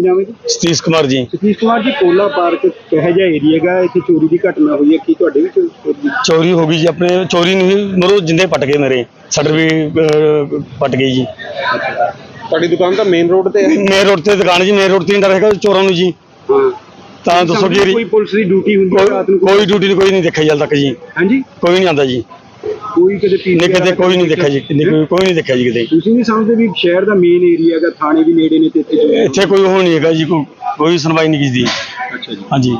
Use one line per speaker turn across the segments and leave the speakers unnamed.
नाम है जी?
सतीश कुमार जी।
सतीश कुमार जी, कोला पार्क कह जा एरिया है, इतने चोरी की घटना हुई है, की तुहाडे भी
चोरी हो गई जी। अपने चोरी नहीं मरो जिंदे पट गए, मेरे शटर भी पट गई जी।
ਤੁਹਾਡੀ ਦੁਕਾਨ ਤਾਂ ਮੇਨ ਰੋਡ ਤੇ ਹੈ?
मेन रोड से दुकान जी, मेन रोड से डर है चोरों ਨੂੰ ਜੀ। ਤਾਂ ਦੱਸੋ ਜੀ
ਕੋਈ ਪੁਲਿਸ ਦੀ ਡਿਊਟੀ ਹੁੰਦੀ ਹੈ ਰਾਤ ਨੂੰ?
ਕੋਈ ਡਿਊਟੀ ਨਹੀਂ, ਕੋਈ ਨਹੀਂ ਦੇਖਿਆ ਜਲ ਤੱਕ ਜੀ।
ਹਾਂਜੀ,
ਕੋਈ ਨਹੀਂ ਆਂਦਾ ਜੀ।
ਕੋਈ ਕਦੇ
ਨਹੀਂ ਕਦੇ ਕੋਈ ਨਹੀਂ ਦੇਖਿਆ ਜੀ, ਕੋਈ ਨਹੀਂ ਦੇਖਿਆ ਜੀ ਕਿਤੇ।
ਤੁਸੀਂ ਨਹੀਂ ਸਮਝਦੇ ਵੀ ਸ਼ਹਿਰ ਦਾ ਮੇਨ ਏਰੀਆ ਹੈਗਾ, ਥਾਣੇ ਵੀ ਨੇੜੇ ਨੇ ਤੇ
ਇੱਥੇ ਕੋਈ ਉਹ ਨਹੀਂ ਹੈਗਾ ਜੀ, ਕੋਈ ਸੁਣਵਾਈ ਨਹੀਂ ਕੀਤੀ।
ਅੱਛਾ ਜੀ।
ਹਾਂਜੀ।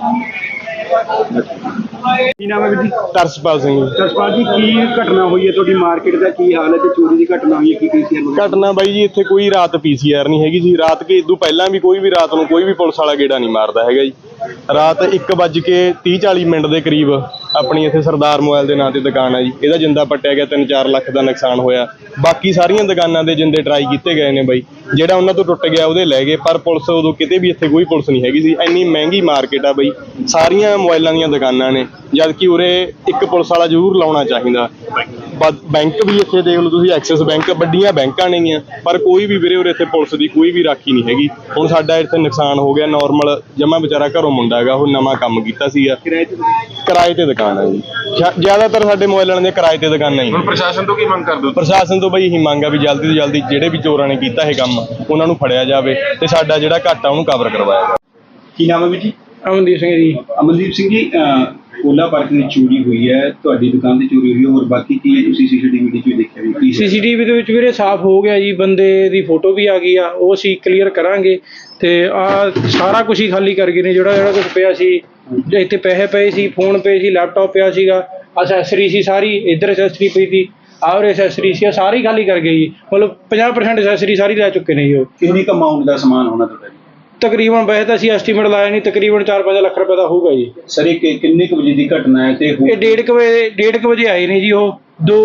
ਕੀ ਨਾਮ ਹੈ ਵੀਰ ਜੀ?
ਤਰਸਪਾਲ ਸਿੰਘ ਜੀ।
ਤਰਸਪਾਲ ਜੀ, ਕੀ ਘਟਨਾ ਹੋਈ ਹੈ ਤੁਹਾਡੀ ਮਾਰਕੀਟ ਦਾ, ਕੀ ਹਾਲ ਹੈ ਤੇ ਚੋਰੀ ਦੀ ਘਟਨਾ ਹੋਈ ਹੈ, ਕੀ PCR
ਘਟਨਾ ਬਾਈ ਜੀ, ਇੱਥੇ ਕੋਈ ਰਾਤ PCR ਨਹੀਂ ਹੈਗੀ ਜੀ। ਰਾਤ ਕੇ ਇਦੋਂ ਪਹਿਲਾਂ ਵੀ ਕੋਈ ਵੀ ਰਾਤ ਨੂੰ ਕੋਈ ਵੀ ਪੁਲਿਸ ਵਾਲਾ ਗੇੜਾ ਨਹੀਂ ਮਾਰਦਾ ਹੈਗਾ ਜੀ। ਰਾਤ 1:30-40 ਦੇ ਕਰੀਬ ਆਪਣੀ ਇੱਥੇ ਸਰਦਾਰ ਮੋਬਾਈਲ ਦੇ ਨਾਂ ਤੇ ਦੁਕਾਨ ਹੈ ਜੀ, ਇਹਦਾ ਜਿੰਦਾ ਪੱਟਿਆ ਗਿਆ, 3-4 ਲੱਖ ਦਾ ਨੁਕਸਾਨ ਹੋਇਆ। ਬਾਕੀ ਸਾਰੀਆਂ ਦੁਕਾਨਾਂ ਦੇ ਜਿੰਦੇ ਟਰਾਈ ਕੀਤੇ ਗਏ ਨੇ ਬਾਈ, ਜਿਹੜਾ ਉਹਨਾਂ ਤੋਂ ਟੁੱਟ ਗਿਆ ਉਹਦੇ ਲੈ ਗਏ, ਪਰ ਪੁਲਿਸ ਉਦੋਂ ਕਿਤੇ ਵੀ ਇੱਥੇ ਕੋਈ ਪੁਲਿਸ ਨਹੀਂ ਹੈਗੀ ਸੀ। ਇੰਨੀ ਮਹਿੰਗੀ ਮਾਰਕੀਟ ਆ ਬਾਈ, ਸਾਰੀਆਂ ਮੋਬਾਈਲਾਂ ਦੀਆਂ ਦੁਕਾਨਾਂ ਨੇ, ਜਦ ਕਿ ਉਰੇ ਇੱਕ ਪੁਲਿਸ ਵਾਲਾ ਜ਼ਰੂਰ ਲਾਉਣਾ ਚਾਹੀਦਾ। ਬੈਂਕ ਵੀ ਇੱਥੇ ਦੇਖ ਲਓ ਤੁਸੀਂ, ਐਕਸਿਸ ਬੈਂਕ, ਵੱਡੀਆਂ ਬੈਂਕਾਂ ਨੇਗੀਆਂ, ਪਰ ਕੋਈ ਵੀ ਵੀਰੇ ਉਰੇ ਇੱਥੇ ਪੁਲਿਸ ਦੀ ਕੋਈ ਵੀ ਰਾਖੀ ਨਹੀਂ ਹੈਗੀ। ਹੁਣ ਸਾਡਾ ਇੱਥੇ ਨੁਕਸਾਨ ਹੋ ਗਿਆ, ਨਾਰਮਲ ਜਮਾ ਵਿਚਾਰਾ ਘਰੋਂ ਮੁੰਡਾ ਹੈਗਾ, ਉਹ ਨਵਾਂ ਕੰਮ ਕੀਤਾ ਸੀਗਾ, ਕਿਰਾਏ ਤੇ ਦੁਕਾਨ ਹੈ ਜੀ। ਜ਼ਿਆਦਾਤਰ ਸਾਡੇ ਮੋਬਾਈਲਾਂ ਦੇ ਕਿਰਾਏ ਤੇ ਦੁਕਾਨਾਂ ਹੀ।
ਹੁਣ ਪ੍ਰਸ਼ਾਸਨ ਤੋਂ ਕੀ ਮੰਗ ਕਰਦੇ ਹੋ?
ਪ੍ਰਸ਼ਾਸਨ ਤੋਂ ਬਈ ਇਹੀ ਮੰਗ ਆ ਵੀ ਜਲਦੀ ਤੋਂ ਜਲਦੀ ਜਿਹੜੇ ਵੀ ਚੋਰਾਂ ਨੇ ਕੀਤਾ ਇਹ ਕੰਮ ਉਹਨਾਂ ਨੂੰ ਫੜਿਆ ਜਾਵੇ ਤੇ ਸਾਡਾ ਜਿਹੜਾ ਘਾਟਾ ਉਹਨੂੰ ਕਵਰ ਕਰਵਾਇਆ ਜਾਵੇ।
ਕੀ ਨਾਮ ਹੈ ਵੀਰ ਜੀ?
ਅਮਨਦੀਪ ਸਿੰਘ ਜੀ।
ਅਮਨਦੀਪ ਸਿੰਘ ਜੀ, ਕੋਲਾ ਪਾਰਕ ਦੀ ਚੋਰੀ ਹੋਈ ਹੈ, ਤੁਹਾਡੀ ਦੁਕਾਨ ਤੇ ਚੋਰੀ ਹੋਈ ਹੈ, ਹੋਰ ਬਾਕੀ ਕੀ ਹੈ ਤੁਸੀਂ CCTV ਵਿੱਚ ਦੇਖਿਆ ਵੀ?
CCTV ਦੇ ਵਿੱਚ ਵੀਰੇ ਸਾਫ਼ ਹੋ ਗਿਆ ਜੀ, ਬੰਦੇ ਦੀ ਫੋਟੋ ਵੀ ਆ ਗਈ ਆ, ਉਹ ਅਸੀਂ ਕਲੀਅਰ ਕਰਾਂਗੇ। ਤੇ ਆ ਸਾਰਾ ਕੁਝ ਹੀ ਖਾਲੀ ਕਰ ਗਏ ਨੇ, ਜਿਹੜਾ ਕੁਝ ਪਿਆ ਸੀ ਇੱਥੇ, ਪੈਸੇ ਪਏ ਸੀ, ਫੋਨ ਪਏ ਸੀ, ਲੈਪਟਾਪ ਪਿਆ ਸੀਗਾ, ਅਸੈਸਰੀ ਸੀ ਸਾਰੀ, ਇੱਧਰ ਅਸੈਸਰੀ ਪਈ ਸੀ, ਆਹ ਅਸੈਸਰੀ ਸੀ, ਸਾਰੀ ਖਾਲੀ ਕਰ ਗਏ ਜੀ। ਮਤਲਬ 50% ਅਸੈਸਰੀ ਸਾਰੀ ਲੈ ਚੁੱਕੇ ਨੇ ਜੀ। ਉਹ
ਕਿੰਨੀ ਕੁ ਅਮਾਊਂਟ ਦਾ ਸਮਾਨ ਹੋਣਾ ਤੁਹਾਡਾ ਜੀ?
ਤਕਰੀਬਨ ਵੈਸੇ ਤਾਂ ਅਸੀਂ ਐਸਟੀਮੇਟ ਲਾਇਆ ਨਹੀਂ, ਤਕਰੀਬਨ 4-5 ਲੱਖ ਰੁਪਏ ਦਾ ਹੋਊਗਾ ਜੀ।
ਸਰ ਇਹ ਕਿੰਨੇ ਕੁ ਵਜੇ ਦੀ ਘਟਨਾ ਹੈ ਤੇ
ਇਹ 1:30 ਵਜੇ ਆਏ ਨੇ ਜੀ। ਉਹ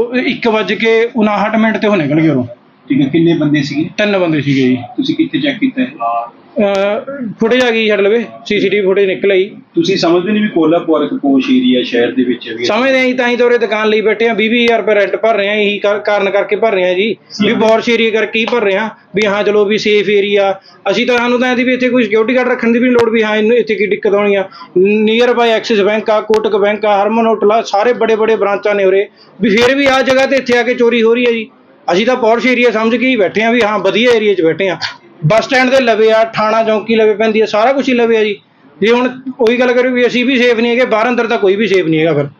1:59 ਤੇ ਉਹ ਨਿਕਲ ਗਏ ਉਰੋਂ।
ਠੀਕ ਹੈ, ਕਿੰਨੇ ਬੰਦੇ ਸੀਗੇ?
3 ਬੰਦੇ ਸੀਗੇ ਜੀ।
ਤੁਸੀਂ ਕਿੱਥੇ ਚੈੱਕ ਕੀਤਾ ਹੈ?
ਫੁਟੇਜ ਆ ਗਈ ਛੱਡ ਲਵੇ, CCTV ਫੁਟੇਜ ਨਿਕਲ ਆਈ।
ਤੁਸੀਂ ਸਮਝਦੇ ਨਹੀਂ ਵੀ ਕੋਲਾ ਪਾਰਕ ਪੋਸ਼ ਏਰੀਆ ਸ਼ਹਿਰ ਦੇ ਵਿੱਚ ਹੈ?
ਸਮਝਦੇ ਆਂ ਜੀ, ਤਾਂ ਹੀ ਤਾਂ ਉਰੇ ਦੁਕਾਨ ਲਈ ਬੈਠੇ ਆ, 20,000 ਰੁਪਏ ਰੈਂਟ ਭਰ ਰਹੇ ਆ, ਇਹੀ ਕਾਰਨ ਕਰਕੇ ਭਰ ਰਹੇ ਆ ਜੀ, ਵੀ ਬੌਰਸ਼ ਏਰੀਆ ਕਰਕੇ ਹੀ ਭਰ ਰਹੇ ਆ, ਵੀ ਹਾਂ ਚਲੋ ਵੀ ਸੇਫ ਏਰੀਆ। ਅਸੀਂ ਤਾਂ ਸਾਨੂੰ ਤਾਂ ਇਹਦੀ ਵੀ ਇੱਥੇ ਕੋਈ ਸਿਕਿਉਰਿਟੀ ਗਾਰਡ ਰੱਖਣ ਦੀ ਵੀ ਲੋੜ, ਵੀ ਹਾਂ ਇਹਨੂੰ ਇੱਥੇ ਕੀ ਦਿੱਕਤ ਆਉਣੀ ਆ। ਨੀਅਰ ਬਾਈ ਐਕਸਿਸ ਬੈਂਕ ਆ, ਕੋਟਕ ਬੈਂਕ ਆ, ਹਰਮਨ ਹੋਟਲ ਆ, ਸਾਰੇ ਬੜੇ ਬ੍ਰਾਂਚਾਂ ਨੇ ਉਰੇ, ਵੀ ਫਿਰ ਵੀ ਆਹ ਜਗ੍ਹਾ ਤੇ ਇੱਥੇ ਆ ਕੇ ਚੋਰੀ ਹੋ ਰਹੀ ਹੈ ਜੀ। ਅਸੀਂ ਤਾਂ ਪੌਰਸ਼ ਏਰੀਆ ਸਮਝ ਕੇ ਹੀ ਬੈਠੇ ਆ, ਵੀ ਹਾਂ ਵਧੀਆ ਏਰੀਆ 'ਚ ਬੈਠੇ ਆ। ਬੱਸ ਸਟੈਂਡ ਦੇ ਲਵੇ ਆ, ਥਾਣਾ ਚੌਂਕੀ ਲਵੇ ਪੈਂਦੀ ਆ, ਸਾਰਾ ਕੁਝ ਹੀ ਲਵੇ ਆ ਜੀ। ਜੇ ਹੁਣ ਉਹੀ ਗੱਲ ਕਰੀਏ ਵੀ ਅਸੀਂ ਵੀ ਸੇਫ ਨਹੀਂ ਹੈਗੇ, ਬਾਹਰ ਅੰਦਰ ਤਾਂ ਕੋਈ ਵੀ ਸੇਫ ਨਹੀਂ ਹੈਗਾ। ਫਿਰ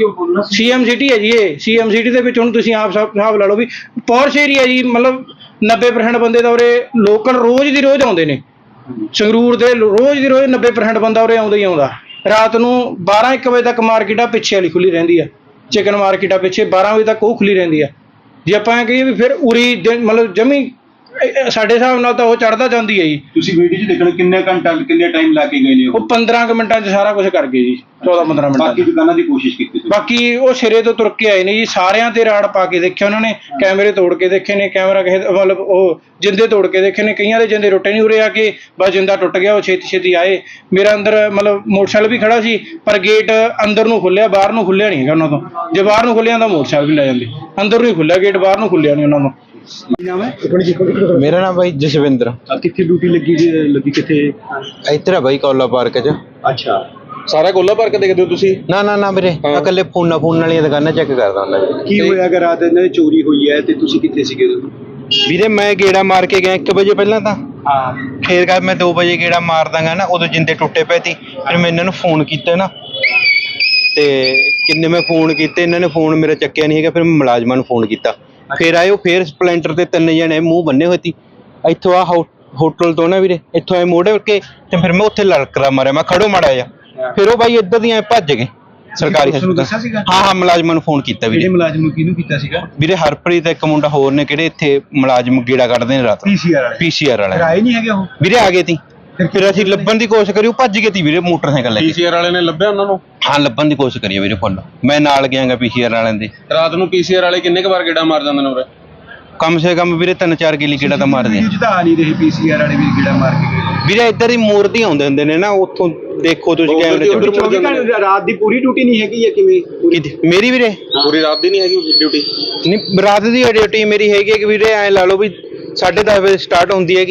CM ਸਿਟੀ ਹੈ ਜੀ ਇਹ। CM ਸਿਟੀ ਦੇ ਵਿੱਚ ਹੁਣ ਤੁਸੀਂ ਆਪ ਹਿਸਾਬ ਲਾ ਲਓ ਵੀ ਪੌਰਸ਼ ਏਰੀਆ ਜੀ, ਮਤਲਬ 90% ਬੰਦੇ ਤਾਂ ਉਰੇ ਲੋਕਲ ਰੋਜ਼ ਦੀ ਰੋਜ਼ ਆਉਂਦੇ ਨੇ। ਸੰਗਰੂਰ ਦੇ ਰੋਜ਼ ਦੀ ਰੋਜ਼ 90% ਬੰਦਾ ਉਰੇ ਆਉਂਦਾ ਹੀ ਆਉਂਦਾ। ਰਾਤ ਨੂੰ 12-1 ਵਜੇ ਤੱਕ ਮਾਰਕੀਟ ਆ ਪਿੱਛੇ ਵਾਲੀ ਖੁੱਲੀ ਰਹਿੰਦੀ ਆ, ਚਿਕਨ ਮਾਰਕੀਟ ਆ ਪਿੱਛੇ 12 ਵਜੇ ਤੱਕ ਉਹ ਖੁੱਲੀ ਰਹਿੰਦੀ ਆ। ਜੇ ਆਪਾਂ ਕਹੀਏ ਵੀ ਫਿਰ ਉਰੀ ਮਤਲਬ ਜਮੀ ਸਾਡੇ ਹਿਸਾਬ ਨਾਲ ਤਾਂ ਉਹ ਚੜ੍ਹਦਾ ਜਾਂਦੀ ਹੈ ਜੀ।
ਤੁਸੀਂ ਵੀਡੀਓ 'ਚ ਦੇਖਣ ਕਿੰਨੇ ਟਾਈਮ ਲਾ ਕੇ ਗਏ ਨੇ?
ਉਹ 15 ਕੁ ਮਿੰਟਾਂ 'ਚ ਸਾਰਾ ਕੁਝ ਕਰ ਗਏ ਜੀ, 14-15 ਮਿੰਟਾਂ।
ਬਾਕੀ ਦੁਕਾਨਾਂ ਦੀ ਕੋਸ਼ਿਸ਼ ਕੀਤੀ?
ਬਾਕੀ ਉਹ ਸਿਰੇ ਤੋਂ ਤੁਰ ਕੇ ਆਏ ਨੇ ਜੀ, ਸਾਰਿਆਂ ਤੇ ਰਾੜ ਪਾ ਕੇ ਦੇਖਿਆ ਉਹਨਾਂ ਨੇ, ਕੈਮਰੇ ਤੋੜ ਕੇ ਦੇਖੇ ਨੇ, ਕੈਮਰਾ ਕਿਸੇ ਮਤਲਬ ਉਹ ਜਿੰਦੇ ਤੋੜ ਕੇ ਦੇਖੇ ਨੇ, ਕਈਆਂ ਦੇ ਜਿੰਦੇ ਟੁੱਟੇ ਨਹੀਂ। ਉਰੇ ਆ ਕੇ ਬਸ ਜਿੰਦਾ ਟੁੱਟ ਗਿਆ, ਉਹ ਛੇਤੀ ਆਏ। ਮੇਰਾ ਅੰਦਰ ਮਤਲਬ ਮੋਟਰਸਾਈਕਲ ਵੀ ਖੜਾ ਸੀ, ਪਰ ਗੇਟ ਅੰਦਰ ਨੂੰ ਖੁੱਲਿਆ, ਬਾਹਰ ਨੂੰ ਖੁੱਲਿਆ ਨਹੀਂ ਹੈਗਾ ਉਹਨਾਂ ਤੋਂ। ਜੇ ਬਾਹਰ ਨੂੰ ਖੁੱਲਿਆ ਤਾਂ ਮੋਟਰਸਾਈਕਲ ਵੀ ਲੈ ਜਾਂਦੇ, ਅੰਦਰ ਨੂੰ ਹੀ ਖੁੱਲਿਆ ਗੇਟ, ਬਾਹਰ ਨੂੰ ਖੁੱਲਿਆ ਨਹੀਂ ਉਹਨਾਂ ਤੋਂ।
ਕੀ ਨਾਮ ਹੈ?
ਮੇਰਾ ਨਾਮ ਬਾਈ ਜਸਵਿੰਦਰ।
ਕਿੱਥੇ ਡਿਊਟੀ ਲੱਗੀ ਕਿੱਥੇ?
ਇੱਧਰ ਆ ਬਾਈ ਕੋਲਾ ਪਾਰਕ 'ਚ।
ਅੱਛਾ,
ਸਾਰਾ ਕੋਲਾ ਪਾਰਕ ਦੇਖਦੇ ਹੋ ਤੁਸੀਂ?
ਨਾ ਵੀਰੇ, ਇਕੱਲੇ ਫੋਨ ਵਾਲੀਆਂ ਦੁਕਾਨਾਂ ਚੈੱਕ ਕਰਦਾ ਹੁੰਦਾ ਜੀ।
ਕੀ ਹੋਇਆ ਅਗਰ ਰਾਤ ਇਹਨਾਂ ਦੀ ਚੋਰੀ ਹੋਈ ਹੈ ਤੇ ਤੁਸੀਂ ਕਿੱਥੇ ਸੀਗੇ ਉਦੋਂ?
ਵੀਰੇ ਮੈਂ ਗੇੜਾ ਮਾਰ ਕੇ ਗਿਆ 1 ਵਜੇ ਪਹਿਲਾਂ ਤਾਂ,
ਹਾਂ,
ਫੇਰ ਮੈਂ 2 ਵਜੇ ਗੇੜਾ ਮਾਰ ਦਾਂਗਾ ਨਾ, ਉਦੋਂ ਜਿੰਦੇ ਟੁੱਟੇ ਪਏ ਸੀ। ਫਿਰ ਮੈਂ ਇਹਨਾਂ ਨੂੰ ਫੋਨ ਕੀਤਾ ਨਾ, ਤੇ ਕਿੰਨੇ ਮੈਂ ਫੋਨ ਕੀਤੇ, ਇਹਨਾਂ ਨੇ ਫੋਨ ਮੇਰਾ ਚੱਕਿਆ ਨਹੀਂ ਹੈਗਾ। ਫਿਰ ਮੈਂ ਮੁਲਾਜ਼ਮਾਂ ਨੂੰ ਫੋਨ ਕੀਤਾ, ਫਿਰ ਆਏ ਉਹ, ਫਿਰ ਸਪਲੈਂਡਰ ਤੇ 3 ਜਣੇ ਮੂੰਹ ਬੰਨੇ ਹੋਏ ਸੀ। ਇੱਥੋਂ ਆ ਹੋਟਲ ਤੋਂ ਨਾ ਵੀਰੇ, ਇੱਥੋਂ ਆਏ ਮੋੜ ਕੇ, ਤੇ ਫਿਰ ਮੈਂ ਉੱਥੇ ਲੜਕਰਾ ਮਾਰਿਆ, ਮੈਂ ਖੜੋ ਮਾੜਾ ਜਿਹਾ। ਫਿਰ ਉਹ ਬਾਈ ਇੱਧਰ ਦੀਆਂ ਭੱਜ ਗਏ ਸਰਕਾਰੀ ਹਸਪਤਾਲ। ਹਾਂ ਮੁਲਾਜ਼ਮਾਂ ਨੂੰ ਫੋਨ ਕੀਤਾ ਵੀਰੇ।
ਮੁਲਾਜ਼ਮ ਨੂੰ ਕਿਹਨੂੰ ਕੀਤਾ ਸੀਗਾ?
ਵੀਰੇ ਹਰਪ੍ਰੀਤ ਇੱਕ ਮੁੰਡਾ ਹੋਰ ਨੇ, ਕਿਹੜੇ ਇੱਥੇ ਮੁਲਾਜ਼ਮ ਗੇੜਾ ਕੱਢਦੇ ਨੇ ਰਾਤ। PCR ਵਾਲੇ
ਆਏ ਨਹੀਂ ਹੈਗੇ ਉਹ?
ਵੀਰੇ ਆ ਗਏ ਤੀ, ਫਿਰ ਅਸੀਂ ਲੱਭਣ ਦੀ ਕੋਸ਼ਿਸ਼ ਕਰੀ, ਉਹ ਭੱਜ ਗਏ ਤੀ ਵੀਰੇ ਮੋਟਰਸਾਈਕਲ ਲੈ ਕੇ।
PCR ਵਾਲੇ ਨੇ ਲੱਭਿਆ ਉਹਨਾਂ ਨੂੰ?
ਹਾਂ ਲੱਭਣ ਦੀ ਕੋਸ਼ਿਸ਼ ਕਰੀ ਵੀਰੇ ਫੁੱਲ, ਮੈਂ ਨਾਲ ਗਿਆਗਾ PCR ਵਾਲਿਆਂ ਦੇ।
ਰਾਤ ਨੂੰ PCR ਵਾਲੇ ਕਿੰਨੇ ਕੁ ਵਾਰ ਗੇੜਾ ਮਾਰ ਜਾਂਦੇ ਨੇ ਉਰੇ?
ਕਮ ਸੇ ਕਮ ਵੀਰੇ 3-4 ਕਿੱਲੀ ਗੇੜਾ ਤਾਂ ਮਾਰਦੇ ਆ।
ਆ ਨਹੀਂ ਰਹੇ PCR ਵਾਲੇ ਵੀ ਗੇੜਾ ਮਾਰ ਕੇ ਗਏ
ਵੀਰੇ। ਇੱਧਰ ਹੀ ਮੂਰਤੀ ਆਉਂਦੇ ਹੁੰਦੇ ਨੇ ਨਾ, ਉੱਥੋਂ ਦੇਖੋ ਤੁਸੀਂ ਕੈਮਰੇ 'ਚ।
ਰਾਤ ਦੀ ਪੂਰੀ ਡਿਊਟੀ ਨਹੀਂ ਹੈਗੀ ਜਾਂ ਕਿਵੇਂ?
ਮੇਰੀ ਵੀਰੇ
ਪੂਰੀ ਰਾਤ ਦੀ ਨਹੀਂ ਹੈਗੀ ਡਿਊਟੀ?
ਨਹੀਂ ਰਾਤ ਦੀ ਡਿਊਟੀ ਮੇਰੀ ਹੈਗੀ ਕਿ ਵੀਰੇ ਐਂ ਲਾ ਲਓ ਵੀ 10:30 ਵਜੇ ਸਟਾਰਟ ਹੁੰਦੀ ਹੈਗੀ,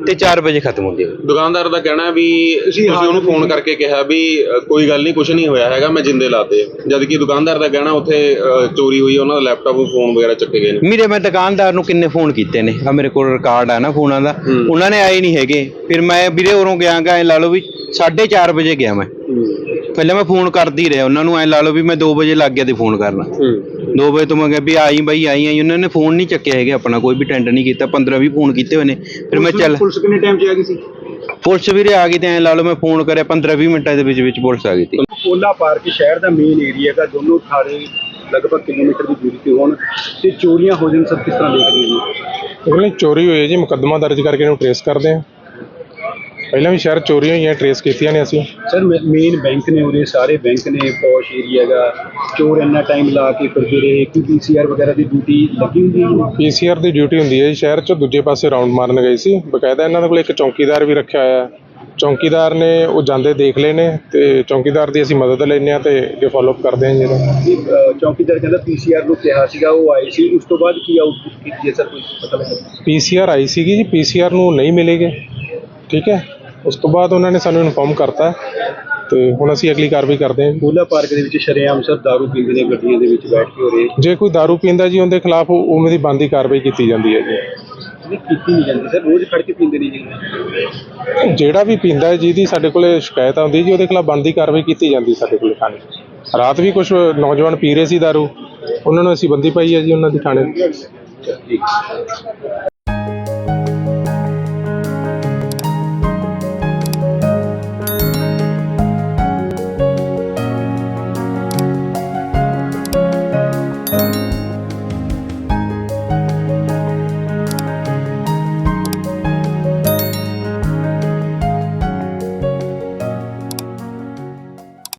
ਤੇ 4 ਵਜੇ ਖਤਮ ਹੁੰਦੀ ਹੈ।
ਦੁਕਾਨਦਾਰ ਦਾ ਕਹਿਣਾ ਵੀ ਤੁਸੀਂ ਉਹਨੂੰ ਫੋਨ ਕਰਕੇ ਕਿਹਾ ਵੀ ਕੋਈ ਗੱਲ ਨਹੀਂ, ਕੁਝ ਨਹੀਂ ਹੋਇਆ ਹੈਗਾ, ਮੈਂ ਜਿੰਦੇ ਲਾਤੇ, ਜਦ ਕਿ ਦੁਕਾਨਦਾਰ ਦਾ ਕਹਿਣਾ ਉੱਥੇ ਚੋਰੀ ਹੋਈ, ਉਹਨਾਂ ਦਾ ਲੈਪਟਾਪ ਫੋਨ ਵਗੈਰਾ ਚੱਕੇ ਗਏ ਨੇ।
ਮੇਰੇ ਮੈਂ ਦੁਕਾਨਦਾਰ ਨੂੰ ਕਿੰਨੇ ਫੋਨ ਕੀਤੇ ਨੇ, ਆ ਮੇਰੇ ਕੋਲ ਰਿਕਾਰਡ ਆ ਨਾ ਫੋਨਾਂ ਦਾ, ਉਹਨਾਂ ਨੇ ਆਏ ਨਹੀਂ ਹੈਗੇ। ਫਿਰ ਮੈਂ ਵੀਰੇ ਉਰੋਂ ਗਿਆ ਐ ਲਾ ਲਓ ਵੀ 4:30 ਵਜੇ ਗਿਆ ਮੈਂ, ਪਹਿਲਾਂ ਮੈਂ ਫੋਨ ਕਰਦੀ ਰਿਹਾ ਉਹਨਾਂ ਨੂੰ, ਐ ਲਾ ਲਓ ਵੀ ਮੈਂ 2 ਵਜੇ ਲੱਗ ਗਿਆ ਤੇ ਫੋਨ ਕਰਨਾ। 2 ਵਜੇ ਤੋਂ ਮੈਂ ਕਿਹਾ ਵੀ ਆਈ ਬਾਈ ਆਈ, ਉਹਨਾਂ ਨੇ ਫੋਨ ਨਹੀਂ ਚੱਕਿਆ ਹੈਗੇ, ਆਪਣਾ ਕੋਈ ਵੀ ਅਟੈਂਡ ਨਹੀਂ ਕੀਤਾ। 15-20 ਫੋਨ ਕੀਤੇ ਹੋਏ ਨੇ। ਫਿਰ ਮੈਂ ਚੱਲ,
ਪੁਲਿਸ ਕਿੰਨੇ ਟਾਈਮ 'ਚ ਆ ਗਈ ਸੀ?
ਪੁਲਿਸ ਵੀਰੇ ਆ ਗਈ ਤੇ ਐ ਲਾ ਲਓ ਮੈਂ ਫੋਨ ਕਰਿਆ 15-20 ਮਿੰਟਾਂ ਦੇ ਵਿੱਚ ਪੁਲਿਸ ਆ ਗਈ ਸੀ।
ਕੋਲਾ ਪਾਰਕ ਸ਼ਹਿਰ ਦਾ ਮੇਨ ਏਰੀਆ ਹੈਗਾ, ਦੋਨੋਂ ਥਾਣੇ ਲਗਭਗ ਕਿਲੋਮੀਟਰ ਦੀ ਦੂਰੀ ਤੇ ਹੋਣ ਤੇ ਚੋਰੀਆਂ ਹੋ ਜਾਣ, ਸਭ ਕਿਸ ਤਰ੍ਹਾਂ ਦੇਖਦੇ ਹੋ?
ਉਹਨੇ ਚੋਰੀ ਹੋਈ ਹੈ ਜੀ, ਮੁਕੱਦਮਾ ਦਰਜ ਕਰਕੇ ਇਹਨੂੰ ਟਰੇਸ ਕਰਦੇ ਹਾਂ। ਪਹਿਲਾਂ ਵੀ ਸ਼ਹਿਰ ਚੋਰੀਆਂ ਹੋਈਆਂ, ਟਰੇਸ ਕੀਤੀਆਂ ਨੇ ਅਸੀਂ।
ਸਰ ਮੇਨ ਬੈਂਕ ਨੇ ਉਰੇ, ਸਾਰੇ ਬੈਂਕ ਨੇ, ਪੌਸ਼ ਏਰੀਆ ਹੈਗਾ, ਚੋਰ ਇੰਨਾ ਟਾਈਮ ਲਾ ਕੇ ਫਿਰਦੇ ਰਹੇ। ਕੀ PCR ਵਗੈਰਾ ਦੀ ਡਿਊਟੀ ਲੱਗੀ ਹੁੰਦੀ ਹੈ?
PCR ਦੀ ਡਿਊਟੀ ਹੁੰਦੀ ਹੈ ਜੀ, ਸ਼ਹਿਰ 'ਚ ਦੂਜੇ ਪਾਸੇ ਰਾਉਂਡ ਮਾਰਨ ਗਏ ਸੀ। ਬਕਾਇਦਾ ਇਹਨਾਂ ਦੇ ਕੋਲ ਇੱਕ ਚੌਕੀਦਾਰ ਵੀ ਰੱਖਿਆ ਹੋਇਆ ਹੈ। ਚੌਕੀਦਾਰ ਨੇ ਉਹ ਜਾਂਦੇ ਦੇਖ ਲਏ ਨੇ ਤੇ ਚੌਕੀਦਾਰ ਦੀ ਅਸੀਂ ਮਦਦ ਲੈਂਦੇ ਹਾਂ ਤੇ ਅੱਗੇ ਫੋਲੋਅਪ ਕਰਦੇ ਹਾਂ ਜੀ ਇਹਦਾ।
ਚੌਕੀਦਾਰ ਕਹਿੰਦਾ PCR ਨੂੰ ਕਿਹਾ ਸੀਗਾ, ਉਹ ਆਏ ਸੀ, ਉਸ ਤੋਂ ਬਾਅਦ ਕੀ ਆਊਟਪੁੱਟ ਕੀਤੀ ਹੈ ਸਰ, ਕੋਈ ਪਤਾ ਲੱਗਾ?
PCR ਆਈ ਸੀਗੀ ਜੀ, PCR ਨੂੰ ਨਹੀਂ ਮਿਲੇਗੇ, ਠੀਕ ਹੈ। ਉਸ ਤੋਂ ਬਾਅਦ ਉਹਨਾਂ ਨੇ ਸਾਨੂੰ ਇਨਫੋਰਮ ਕਰਤਾ ਤੇ ਹੁਣ ਅਸੀਂ ਅਗਲੀ ਕਾਰਵਾਈ ਕਰਦੇ ਹਾਂ।
ਕੋਲਾ ਪਾਰਕ ਦੇ ਵਿੱਚ ਸ਼ਰੇਆਮ ਸਰ ਦਾਰੂ ਪੀਂਦੇ ਨੇ, ਗੱਡੀਆਂ ਦੇ ਵਿੱਚ ਬੈਠ ਕੇ ਹੋ ਰਹੇ।
ਜੇ ਕੋਈ ਦਾਰੂ ਪੀਂਦਾ ਜੀ, ਉਹਦੇ ਖਿਲਾਫ ਉਵੇਂ ਦੀ ਬਣਦੀ ਕਾਰਵਾਈ ਕੀਤੀ ਜਾਂਦੀ ਹੈ ਜੀ।
ਕੀਤੀ ਨਹੀਂ ਜਾਂਦੀ ਸਰ, ਰੋਜ਼ ਫੜ ਕੇ ਪੀਂਦੇ ਨੇ ਜੀ।
ਜਿਹੜਾ ਵੀ ਪੀਂਦਾ ਹੈ, ਜਿਹਦੀ ਸਾਡੇ ਕੋਲ ਸ਼ਿਕਾਇਤ ਆਉਂਦੀ ਜੀ, ਉਹਦੇ ਖਿਲਾਫ ਬਣਦੀ ਕਾਰਵਾਈ ਕੀਤੀ ਜਾਂਦੀ ਸਾਡੇ ਕੋਲ ਥਾਣੇ। ਰਾਤ ਵੀ ਕੁਝ ਨੌਜਵਾਨ ਪੀ ਰਹੇ ਸੀ ਦਾਰੂ, ਉਹਨਾਂ ਨੂੰ ਅਸੀਂ ਬੰਦੀ ਪਾਈ ਹੈ ਜੀ ਉਹਨਾਂ ਦੀ ਥਾਣੇ।